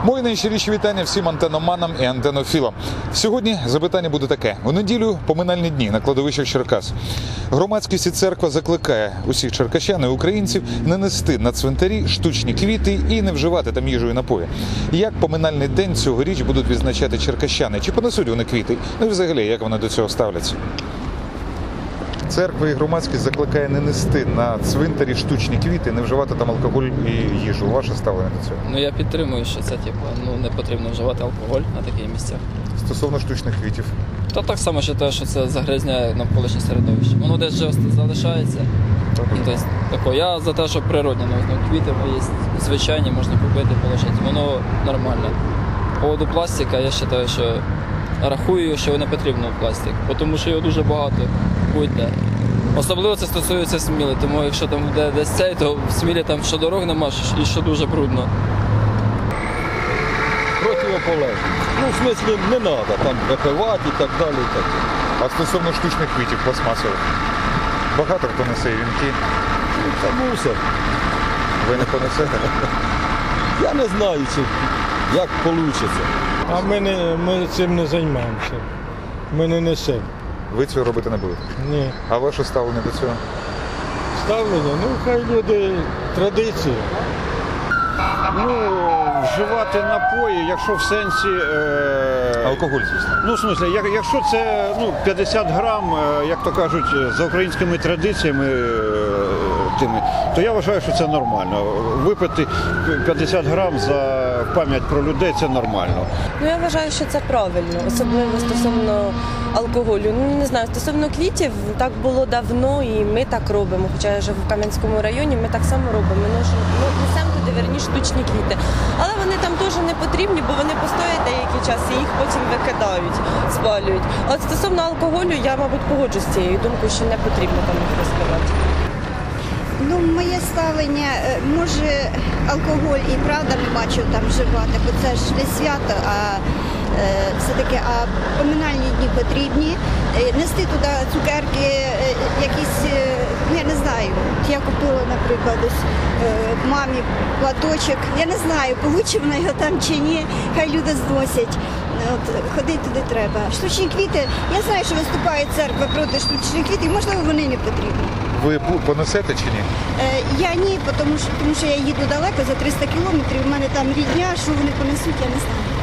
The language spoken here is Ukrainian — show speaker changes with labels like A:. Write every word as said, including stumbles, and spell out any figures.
A: Мої найщиріші вітання всім антеноманам і антенофілам. Сьогодні запитання буде таке. У неділю поминальні дні на кладовищах Черкас. Громадськість і церква закликає усіх черкащан і українців не нести на цвинтарі штучні квіти і не вживати там їжу і напої. Як поминальний день цьогоріч будуть відзначати черкащани? Чи понесуть вони квіти? Ну і взагалі, як вони до цього ставляться? Церква і громадськість закликає не нести на цвинтарі штучні квіти, не вживати там алкоголь і їжу. Ваше ставлення до цього?
B: Ну я підтримую, що це типу, ну не потрібно вживати алкоголь на таких місцях.
A: Стосовно штучних квітів.
B: То так само вважаю, що це загрязняє навколишнє середовище. Воно десь вже залишається. І, тобто, тако, я за те, що природні, ну, квіти є звичайні, можна купити, положити. Воно нормально. По поводу пластика, я вважаю, що рахую, що не потрібно пластик, тому що його дуже багато будь-де. Особливо це стосується Сміли, тому якщо там буде десь цей, то в Смілі там що дорог нема, і що дуже брудно.
C: Противоположно. Ну, в смысле, не треба там випивати і так далі. І так.
A: А стосовно штучних квітів пластмасових? Багато хто несе вінки.
C: Ну, це мусор.
A: Ви не понесете?
C: Я не знаю, чи, як вийде.
D: А ми, не, ми цим не займаємося. Ми не несемо.
A: Ви цього робити не будете?
D: Ні.
A: А ваше ставлення до цього?
D: Ставлення, ну хай люди традиції.
E: Ну, вживати напої, якщо в сенсі... Е...
A: Алкоголь, звісно.
E: Ну, в смислі, як, якщо це ну, п'ятдесят грам, е, як то кажуть, за українськими традиціями е, тими, то я вважаю, що це нормально. Випити п'ятдесят грам за пам'ять про людей – це нормально.
F: Ну, я вважаю, що це правильно, особливо стосовно алкоголю. Ну, не знаю, стосовно квітів, так було давно і ми так робимо. Хоча я живу в Кам'янському районі, ми так само робимо. Ми несемо туди, верні, штучні квіти. Але вони там теж не потрібні, бо вони постоять деякий час і їх потім викидають, спалюють. А от стосовно алкоголю, я, мабуть, погоджусь з цією думкою, що не потрібно там їх розпивати.
G: Ну, моє ставлення, може, алкоголь і правда не бачу там вживати, бо це ж не свято, а е, все-таки а поминальні дні потрібні. Нести туди цукерки, якісь, ну, я не знаю, я купила, наприклад, ось е, мамі платочок, я не знаю, получить вона його там чи ні, хай люди зносять. От, ходити туди треба. Штучні квіти, я знаю, що виступає церква проти штучних квітів, можливо, вони не потрібні.
A: Ви понесете чи ні?
G: Е, я ні, тому що, тому що я їду далеко, за триста кілометрів, у мене там рідня, що вони понесуть, я не знаю.